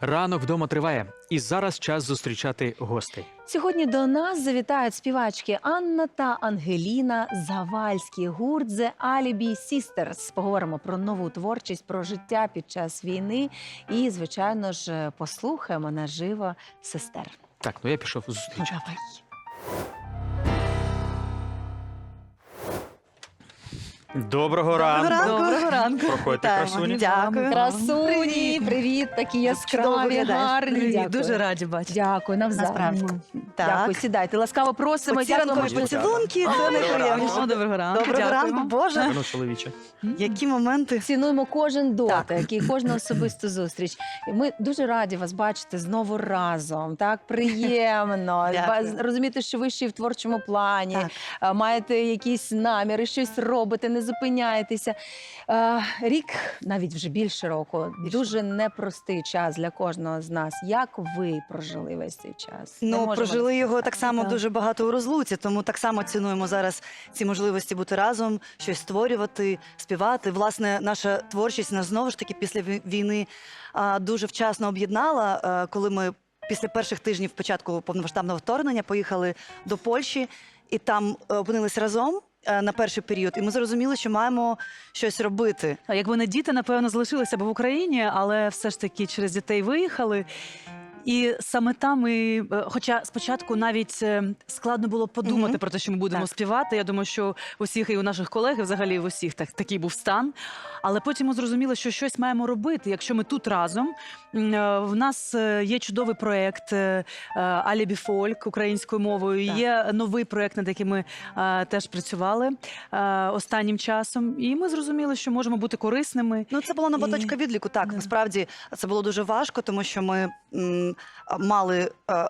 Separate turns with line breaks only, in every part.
Ранок вдома триває, і зараз час зустрічати гостей.
Сьогодні до нас завітають співачки Анна та Ангеліна Завальські, гурт The Alibi Sisters. Поговоримо про нову творчість, про життя під час війни і, звичайно ж, послухаємо наживо сестер.
Так, ну я пішов зустрічати.
Давай.
Доброго ранку.
Доброго ранку.
Проходьте, красуні.
Дякую.
Красуні, привіт, такі яскраві,
виглядаєш.
гарні.
Привіт,
Дякую.
дуже раді бачити.
Дякую, навзаєм.
Насправді.
Дякую,
Так.
сідайте. Ласкаво просимо.
Оці ранкові
Дякуємо.
поцілунки, це найприємніше.
Доброго ранку.
Доброго ранку, Боже.
Ну, чоловіче.
Які моменти.
Цінуємо кожен
Так.
дотик і кожну особисту зустріч. І ми дуже раді вас бачити знову разом. Так приємно.
Дякую.
Розуміти, що ви ще й в творчому плані,
Так.
маєте якісь наміри, щось робите, не зупиняєтеся. Рік, навіть вже більше року, дуже непростий час для кожного з нас. Як ви прожили весь цей час? Не
Ну,
можемо
прожили його
сказати.
так само дуже багато у розлуці, тому так само цінуємо зараз ці можливості бути разом, щось створювати, співати. Власне, наша творчість нас знову ж таки після війни дуже вчасно об'єднала, коли ми після перших тижнів початку повномасштабного вторгнення поїхали до Польщі і там опинились разом на перший період, і ми зрозуміли, що маємо щось робити.
А якби не діти, напевно, залишилися б в Україні, але все ж таки через дітей виїхали. І саме там ми, хоча спочатку навіть складно було подумати
Мгм.
про те, що ми будемо
Так.
співати. Я думаю, що у всіх і у наших колег, і взагалі у всіх такий був стан. Але потім ми зрозуміли, що щось маємо робити. Якщо ми тут разом, в нас є чудовий проєкт «Алібі Фольк» українською мовою.
Так.
Є новий проєкт, над яким ми теж працювали останнім часом. І ми зрозуміли, що можемо бути корисними.
Ну, це була нова
І-
точка відліку. Так,
Да.
насправді це було дуже важко, тому що ми мали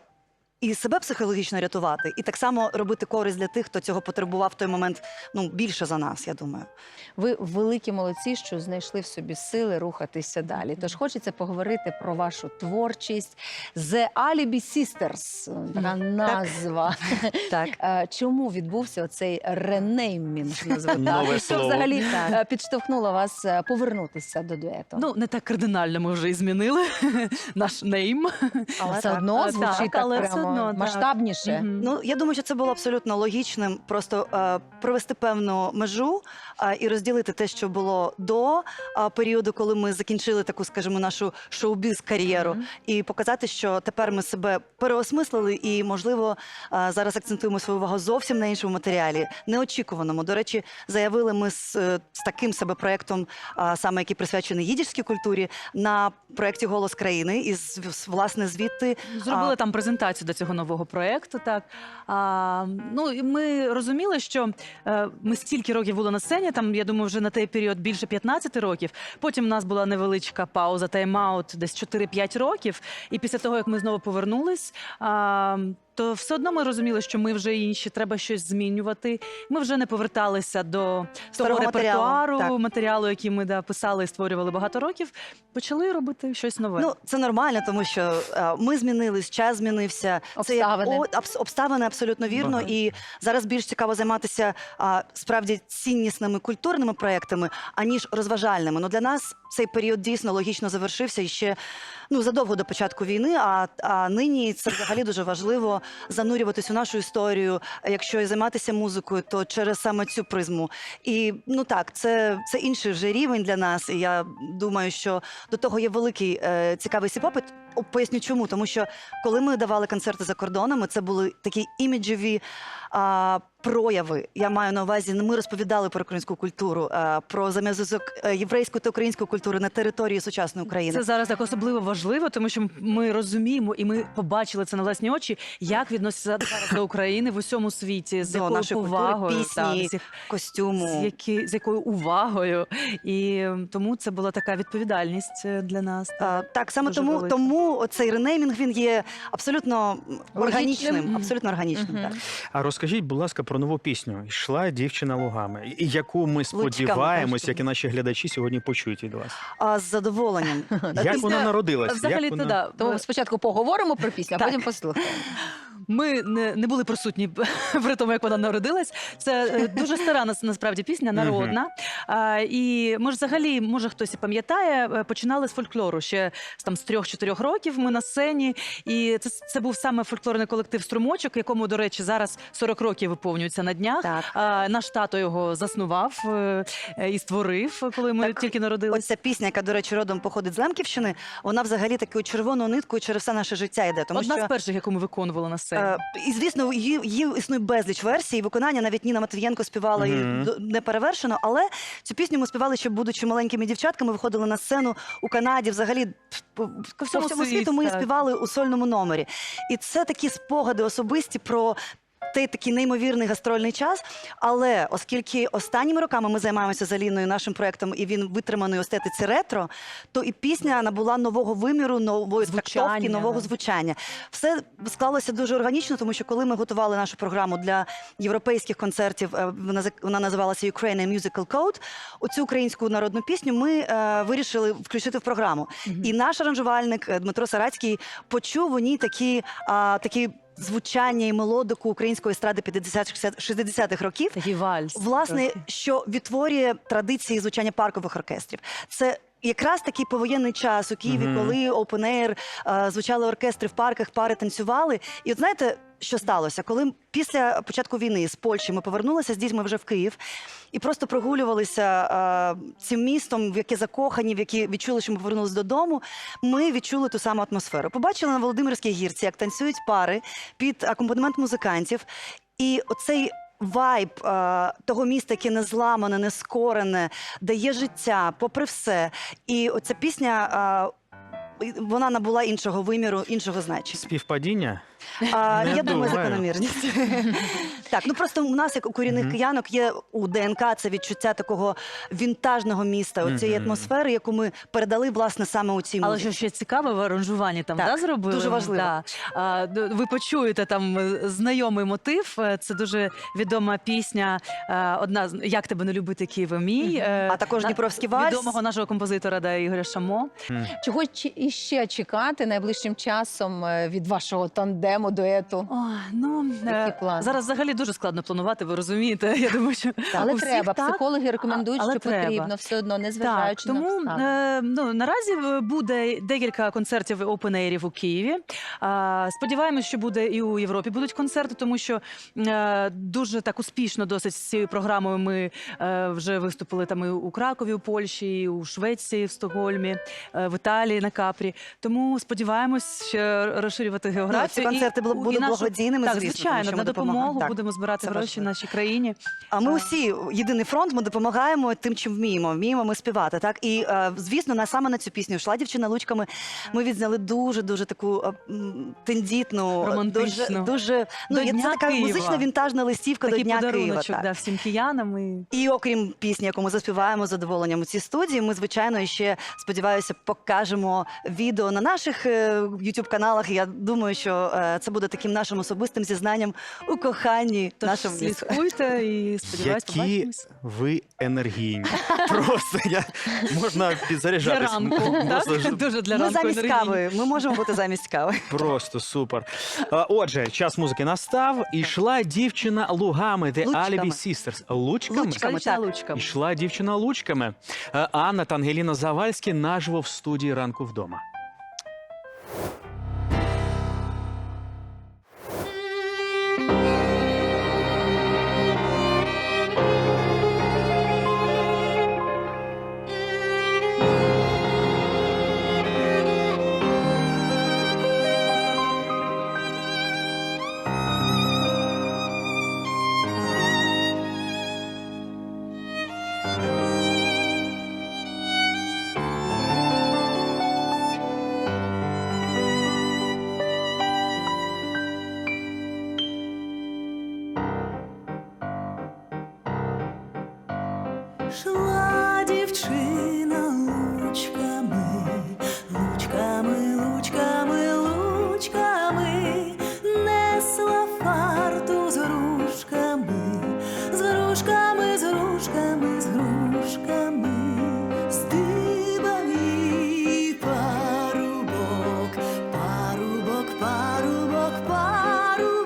і себе психологічно рятувати, і так само робити користь для тих, хто цього потребував в той момент, ну, більше за нас, я думаю.
Ви великі молодці, що знайшли в собі сили рухатися далі. Тож хочеться поговорити про вашу творчість. The Alibi Sisters, така назва.
Так.
Чому відбувся оцей ренеймінг?
Нове
Що
слово.
взагалі підштовхнуло вас повернутися до дуету?
Ну, не так кардинально ми вже і змінили наш нейм.
Але все
так.
одно
Так,
звучить так
але все
прямо
одно, так.
масштабніше.
Мгм.
Ну, я думаю, що це було абсолютно логічним, просто провести певну межу і розділити те, що було до періоду, коли ми закінчили таку, скажімо, нашу шоу-біз-кар'єру,
Мгм.
і показати, що тепер ми себе переосмислили і, можливо, зараз акцентуємо свою увагу зовсім на іншому матеріалі, неочікуваному. До речі, заявили ми з таким себе проєктом, саме який присвячений їдішській культурі, на проєкті «Голос країни», і, власне, звідти
Зробили там презентацію до цього нового проєкту. Так. Ну, і ми розуміли, що ми стільки років були на сцені, там, я думаю, вже на той період більше 15 років. Потім у нас була невеличка пауза, тайм-аут, десь 4-5 років. І після того, як ми знову повернулись, то все одно ми розуміли, що ми вже інші, треба щось змінювати. Ми вже не поверталися до того
Старого
репертуару,
матеріалу, так.
матеріалу, який ми писали і створювали багато років. Почали робити щось нове.
Ну, це нормально, тому що ми змінились, час змінився. Це як
Обставини.
обставини абсолютно вірно.
Ага.
І зараз більш цікаво займатися справді ціннісними культурними проектами, аніж розважальними. Ну, для нас цей період дійсно логічно завершився і ще задовго до початку війни. А нині це взагалі дуже важливо занурюватись у нашу історію. Якщо і займатися музикою, то через саме цю призму. І так, це інший вже рівень для нас. І я думаю, що до того є великий цікавий попит. Поясню чому. Тому що коли ми давали концерти за кордонами, це були такі іміджеві прояви. Я маю на увазі, ми розповідали про українську культуру, про взаємозв'язок єврейської та української культури на території сучасної України.
Це зараз так особливо важливо, тому що ми розуміємо і ми побачили це на власні очі, як відносяться зараз до України в усьому світі, з
До
якою
нашої культури,
повагою,
пісні,
так,
костюму.
з якою увагою. І тому це була така відповідальність для нас.
Так, саме
Дуже
тому,
велика.
цей ренеймінг, він є абсолютно органічним.
Логічним.
Абсолютно органічним,
Мгм.
так.
А розкажіть, будь ласка, про нову пісню «Йшла дівчина лугами», і яку ми сподіваємось,
кажуть.
як і наші глядачі сьогодні почують від вас.
З задоволенням.
Як вона народилась?
Взагалі,
Як
то
вона...
да.
Тому спочатку поговоримо про пісню, а
Так.
потім послухаємо.
ми не були присутні при тому, як вона народилась. Це дуже стара насправді пісня, народна. І ми ж взагалі, може хтось і пам'ятає, починали з фольклору ще там з 3-4 років. Ми на сцені, і це був саме фольклорний колектив «Струмочок», якому, до речі, зараз 40 років виповнюється на днях.
Так.
Наш тато його заснував і створив, коли ми тільки народилися.
Ось ця пісня, яка, до речі, родом походить з Лемківщини, вона взагалі такою червоною ниткою через все наше життя йде. Тому
Одна
що
з перших, яку ми виконували на сцені.
І, звісно, її існує безліч версій, і виконання навіть Ніна Матвієнко співала її не перевершено, але цю пісню ми співали, ще будучи маленькими дівчатками, виходили на сцену у Канаді, взагалі по всьому світу ми її співали у сольному номері. І це такі спогади особисті про такий неймовірний гастрольний час, але оскільки останніми роками ми займаємося з Аліною нашим проєктом, і він витриманий у естетиці ретро, то і пісня набула нового виміру, нової трактовки, нового звучання. Все склалося дуже органічно, тому що коли ми готували нашу програму для європейських концертів, вона називалася Ukrainian Musical Code, оцю українську народну пісню ми вирішили включити в програму. І наш аранжувальник Дмитро Сарацький почув у ній такі звучання і мелодику української естради 50-60-х років.
Такий вальс.
Власне, що відтворює традиції звучання паркових оркестрів. Це якраз такий повоєнний час у Києві, коли Open Air, звучали оркестри в парках, пари танцювали. І от знаєте, що сталося? Коли після початку війни з Польщі ми повернулися з дітьми вже в Київ і просто прогулювалися цим містом, в яке закохані, в яке відчули, що ми повернулися додому, ми відчули ту саму атмосферу. Побачили на Володимирській гірці, як танцюють пари під акомпанемент музикантів. І оцей вайб того міста, яке не зламане, не скорене, де є життя, попри все. І оця пісня, вона набула іншого виміру, іншого значення.
Співпадіння?
Я думаю,
думаю.
закономірність. Так, ну просто у нас, як у корінних киянок, є у ДНК це відчуття такого вінтажного міста, оцієї атмосфери, яку ми передали, власне, саме у цій
Але
музиці.
що ще цікаве, в аранжуванні там
Так,
зробили?
дуже важливо.
Ви почуєте там знайомий мотив. Це дуже відома пісня, одна з «Як тебе не любити, Києве мій».
А також Дніпровський вальс.
Відомого нашого композитора Ігоря Шамо.
Чого іще чекати найближчим часом від вашого тандему, дуету? Які плани?
Зараз взагалі дуже складно планувати, ви розумієте. Я думаю, що
Але
у всіх
треба.
так.
Психологи рекомендують,
Але
що
треба.
потрібно все одно, незважаючи
Так,
на
тому
обставини.
наразі буде декілька концертів опен-ейрів у Києві. Сподіваємось, що буде і у Європі будуть концерти, тому що дуже так успішно досить з цією програмою ми вже виступили там і у Кракові, у Польщі, і у Швеції, в Стокгольмі, в Італії, на Капрі. Тому сподіваємось ще розширювати географію.
Ці концерти будуть благодійними,
так,
звісно,
звичайно,
тому що
на
ми допомагаємо.
допомогу
Так,
будемо збирати
це
гроші
важливо.
нашій країні.
А ми усі єдиний фронт, ми допомагаємо тим, чим вміємо. Вміємо ми співати, так? І, звісно, саме на цю пісню «Шла дівчина лучками» ми відзняли дуже таку тендітну,
Романтичну.
дуже
До
це
Дня
така
Києва.
музична вінтажна листівка
Такий
до Дня Києва.
подаруночок
Так.
всім киянам.
І окрім пісні, яку ми заспіваємо з задоволенням у цій студії, ми, звичайно, ще, сподіваюся, покажемо відео на наших YouTube-каналах. Я думаю, що це буде таким нашим особистим зізнанням у коханні
Тож
нашому місту.
слідкуйте і сподіваюсь,
Які
побачимось.
ви енергійні. Просто
Для
можна підзаряджатись.
ранку,
Просто
так? Дуже для
Ми
ранку
замість
енергійні.
кави, ми можемо бути замість кави.
Просто супер. Отже, час музики настав. Ішла дівчина лугами, The
Лучками.
Alibi Sisters. Лучками?
Лучками.
Дівчина
так.
лучками.
Ішла дівчина лучками. Анна та Ангеліна Завальські наживо в студії «Ранку вдома».
Шла дівчина лучками, лучками, лучками, лучками, несла фарту з грушками, з грушками, з грушками, з грушками, здибав її парубок, парубок, парубок, парубок.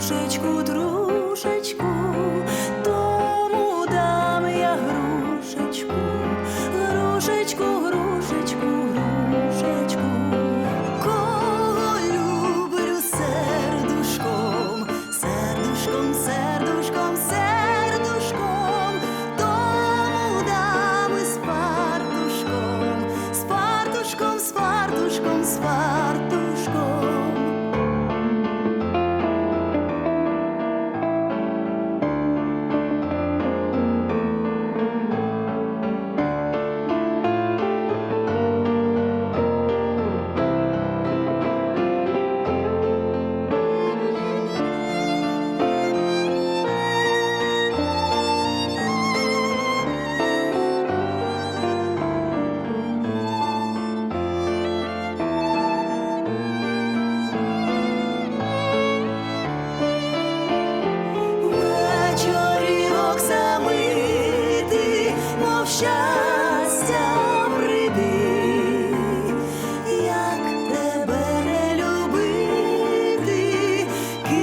грушечку, трушечку, тому дам я грушечку, грушечку, грушечку, грушечку. Кого люблю сердушком, сердушком, сердушком, сердушком, тому дам із фартушком, з фартушком, з фартушком, з фартушком. Вечорілок самити, мов щастя прийди, як тебе не любити,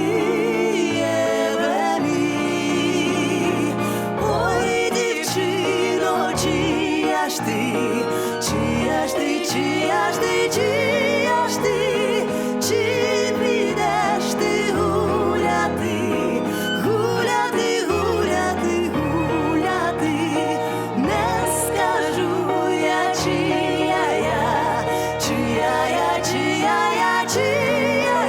Києве мій. Ой, дівчино, чия ж ти, чия ж ти, чия ж ти, чия ж ти, чи підеш ти гуляти, гуляти, гуляти, гуляти, не скажу я, чия я, чия я, чия я, чия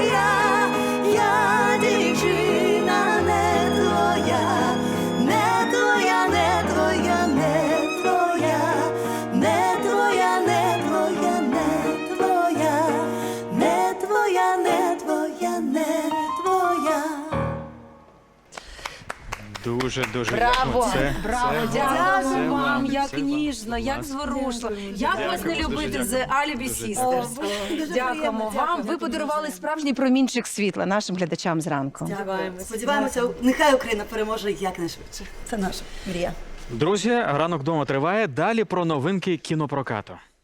я дівчина не твоя, не твоя, не твоя, не твоя, не твоя, не твоя, не твоя, не твоя, не твоя, не твоя.
Дуже
Браво!
Це-
Браво!
це-
Дякую
це
вам,
це
як
вам.
ніжно, як зворушливо. Як вас не
Дякую,
любити
дуже
з Alibi Sisters? Дякуємо вам. Ви подарували
Справжній промінчик світла нашим глядачам зранку.
Сподіваємося, нехай Україна переможе якнайшвидше. Це наша мрія.
Друзі, ранок вдома триває. Далі про новинки кінопрокату.